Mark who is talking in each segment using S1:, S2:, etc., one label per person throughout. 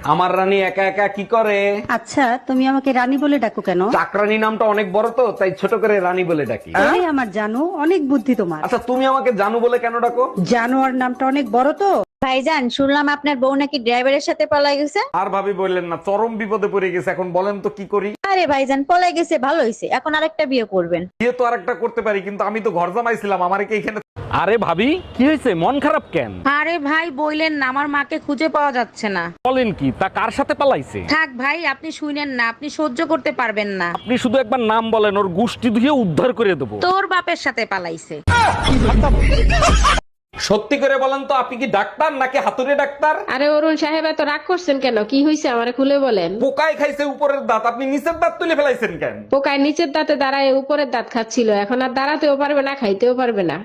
S1: আমার রানী একা একা কি করে?
S2: আচ্ছা, তুমি আমাকে রানী বলে ডাকো কেন?
S1: চাকরানী নামটা অনেক বড় তো, তাই ছোট করে রানী বলে ডাকি।
S2: এই আমার জানো, অনেক বুদ্ধি তোমার।
S1: আচ্ছা, তুমি আমাকে জানু বলে কেন ডাকো?
S2: জানোয়ার নামটা অনেক বড় তো।
S3: ভাইজান, শুনলাম আপনার বউ নাকি ড্রাইভারের সাথে পলাই গেছে।
S1: আর ভাবি বললেন না, চরম বিপদে পড়ে গেছে, এখন বলেন তো কি করি?
S3: আরে ভাইজান, পলাই গেছে ভালো হয়েছে, এখন আরেকটা বিয়ে করবেন।
S1: বিয়ে তো আরেকটা করতে পারি, কিন্তু আমি তো ঘর জামাইছিলাম, আমারে কি এখানে? আরে ভাবি, কি হয়েছে, মন খারাপ কেন?
S3: আরে ভাই বইলেন না, আমার মাকে খুঁজে পাওয়া যাচ্ছে না।
S1: বলেন কি, তা কার সাথে পালাইছে?
S3: থাক ভাই, আপনি শুনেন না, আপনি সহ্য করতে পারবেন না।
S1: আপনি শুধু একবার নাম বলেন, ওর গুষ্টি ধুয়ে উদ্ধার করে দেবো।
S3: তোর বাপের সাথে পালাইছে।
S1: সত্যি করে বলেন তো, আপনি কি ডাক্তার নাকি হাতুড়ে ডাক্তার?
S4: আরে অরুণ সাহেব, এত রাগ করছেন কেন? কি হয়েছে আমারে খুলে বলেন।
S1: পোকায় খাইছে উপরের দাঁত, আপনি নিচের দাঁত তুলে ফেলাইছেন কেন?
S4: পোকায় নিচের দাঁতে দাঁড়ায় উপরের দাঁত খাচ্ছিল, এখন আর দাঁড়াতেও পারবে না, খাইতেও পারবে না।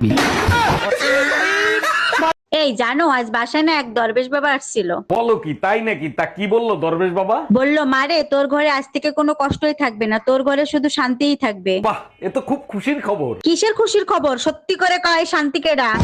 S3: এই জানো, আজ বাসায় না এক দরবেশ বাবা আসছিল।
S1: বলো কি, তাই নাকি? তা কি বললো দরবেশ বাবা?
S3: বলল, মারে তোর ঘরে আজ থেকে কোনো কষ্টই থাকবে না, তোর ঘরে শুধু শান্তিই থাকবে।
S1: বাহ, এ তো খুব খুশির খবর।
S3: কিসের খুশির খবর? সত্যি করে কয়, শান্তিকে ডাক।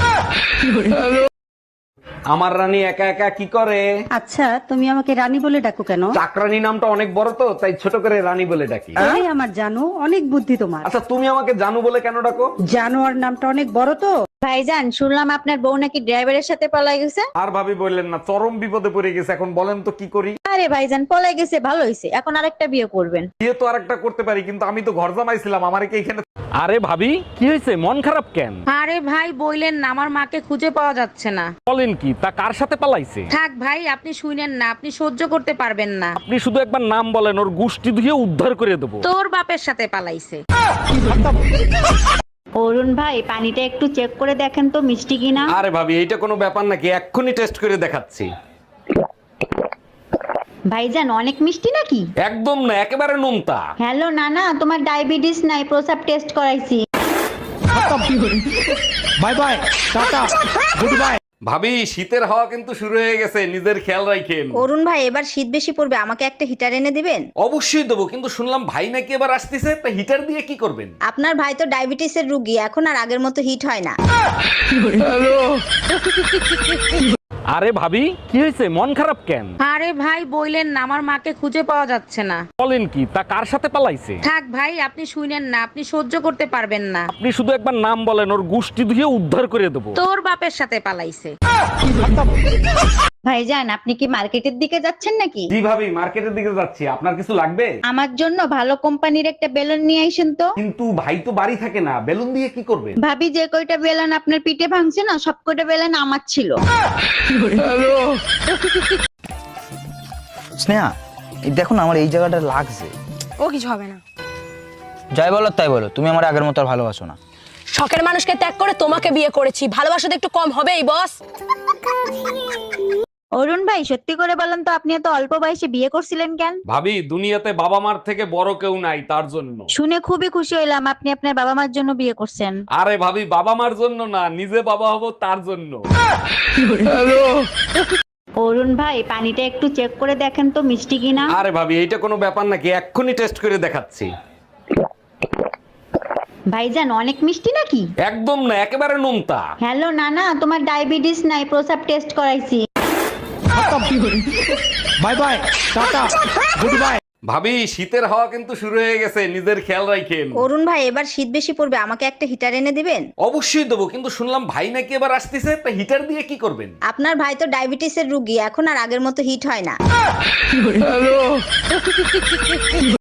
S1: আমার রানী একা একা কি করে?
S2: আচ্ছা, তুমি আমাকে রানী বলে ডাকো কেন?
S1: চাকরানী নামটা অনেক বড় তো, তাই ছোট করে রানী বলে ডাকি।
S2: এই আমার জানো, অনেক বুদ্ধি তোমার।
S1: আচ্ছা, তুমি আমাকে জানু বলে কেন ডাকো?
S2: জানোয়ার নামটা অনেক বড় তো।
S3: ভাইজান, শুনলাম আপনার বউ নাকি ড্রাইভারের সাথে পলাই গেছে।
S1: আর ভাবি বললেন না, চরম বিপদে পড়ে গেছে, এখন বলেন তো কি করি?
S3: আরে ভাইজান, পলাই গেছে ভালো হয়েছে, এখন আরেকটা বিয়ে করবেন।
S1: বিয়ে তো আরেকটা করতে পারি, কিন্তু আমি তো ঘর জামাইছিলাম, আমারে কি এখানে? আরে ভাবি, কি হয়েছে, মন খারাপ কেন?
S3: আরে ভাই বইলেন না, আমার মাকে খুঁজে পাওয়া যাচ্ছে না।
S1: বলেন কি, তা কার সাথে পালাইছে?
S3: থাক ভাই, আপনি শুনেন না, আপনি সহ্য করতে পারবেন না।
S1: আপনি শুধু একবার নাম বলেন, ওর গুষ্টি ধুয়ে উদ্ধার করে দেবো।
S3: তোর বাপের সাথে পালাইছে। অরুণ ভাই, পানিটা একটু চেক করে দেখেন তো মিষ্টি কিনা।
S1: আরে ভাবি, এইটা কোনো ব্যাপার নাকি? এক্ষুনি টেস্ট করে দেখাচ্ছি।
S3: ভাইজান, অনেক মিষ্টি নাকি?
S1: একদম না, একেবারে নোনতা।
S3: হ্যালো নানা, তোমার ডায়াবেটিস নাই, প্রসাব টেস্ট করাইছি।
S1: Bye bye, tata, good bye. ভাবি, শীতের হাওয়া কিন্তু শুরু হয়ে গেছে, নিজের খেয়াল রাখেন।
S3: অরুণ ভাই, এবার শীত বেশি পড়বে, আমাকে একটা হিটার এনে দিবেন?
S1: অবশ্যই দেবো, কিন্তু শুনলাম ভাই নাকি এবার আসতেছে, তা হিটার দিয়ে কি করবেন?
S3: আপনার ভাই তো ডায়াবেটিসের রুগী, এখন আর আগের মতো হিট হয় না।
S1: আরে ভাবি, কি হয়েছে, মন খারাপ কেন?
S3: আরে ভাই বইলেন না, আমার মাকে খুঁজে পাওয়া যাচ্ছে না।
S1: বলেন কি, তা কার সাথে পালাইছে?
S3: থাক ভাই, আপনি শুনেন না, আপনি সহ্য করতে পারবেন না।
S1: আপনি শুধু একবার নাম বলেন, ওর গুষ্টি ধুয়ে উদ্ধার করে দেবো।
S3: তোর বাপের সাথে পালাইছে। ভাইজান, আপনি কি মার্কেটের দিকে যাচ্ছেন নাকি?
S1: জি ভাবি, মার্কেটের দিকে যাচ্ছি, আপনার কিছু লাগবে?
S3: আমার জন্য ভালো কোম্পানির একটা বেলুন নিয়ে আইসেন তো।
S1: কিন্তু ভাই তো বাড়ি থাকে না, বেলুন দিয়ে কি করবেন?
S3: ভাবি, যে কয়টা বেলুন আপনার পিঠে ভাঙছে না, সব কয়টা বেলুন আমার ছিল।
S5: স্নেহা, এই দেখো না, আমার এই জায়গাটা লাগছে।
S6: ও কিছু হবে না।
S5: যাই বলো তাই বলো, তুমি আমার আগের মতো আর ভালোবাসো না।
S6: শখের মানুষকে ত্যাগ করে তোমাকে বিয়ে করেছি, ভালোবাসা তো একটু কম হবেই বস।
S3: অরুণ ভাই, সত্যি করে বলেন তো, আপনি এত অল্প বয়সে বিয়ে করছিলেন কেন?
S1: ভাবি, দুনিয়াতে বাবা মার থেকে বড় কেউ নাই, তার জন্য।
S3: শুনে খুবই খুশি হইলাম, আপনি আপনার বাবা মার জন্য বিয়ে করছেন।
S1: আরে ভাবি, বাবা মার জন্য না, নিজে বাবা হব তার জন্য।
S3: অরুণ ভাই, পানিটা একটু চেক করে দেখেন তো মিষ্টি কিনা।
S1: আরে ভাবি, এইটা কোনো ব্যাপার নাকি? এক্ষুনি টেস্ট করে দেখাচ্ছি।
S3: ভাইজান, অনেক মিষ্টি নাকি?
S1: একদম না, একেবারে নোনতা।
S3: হ্যালো নানা, তোমার ডায়াবেটিস নাই, প্রসাব টেস্ট করাইছি।
S1: Bye bye, tata, good bye. ভাবি, শীতের হাওয়া কিন্তু শুরু হয়ে গেছে, নিজের খেয়াল রাখেন।
S3: অরুণ ভাই, এবার শীত বেশি পড়বে, আমাকে একটা হিটার এনে দিবেন?
S1: অবশ্যই দেবো, কিন্তু শুনলাম ভাই নাকি এবার আসতেছে, তা হিটার দিয়ে কি করবেন?
S3: আপনার ভাই তো ডায়াবেটিসের রুগী, এখন আর আগের মতো হিট হয় না।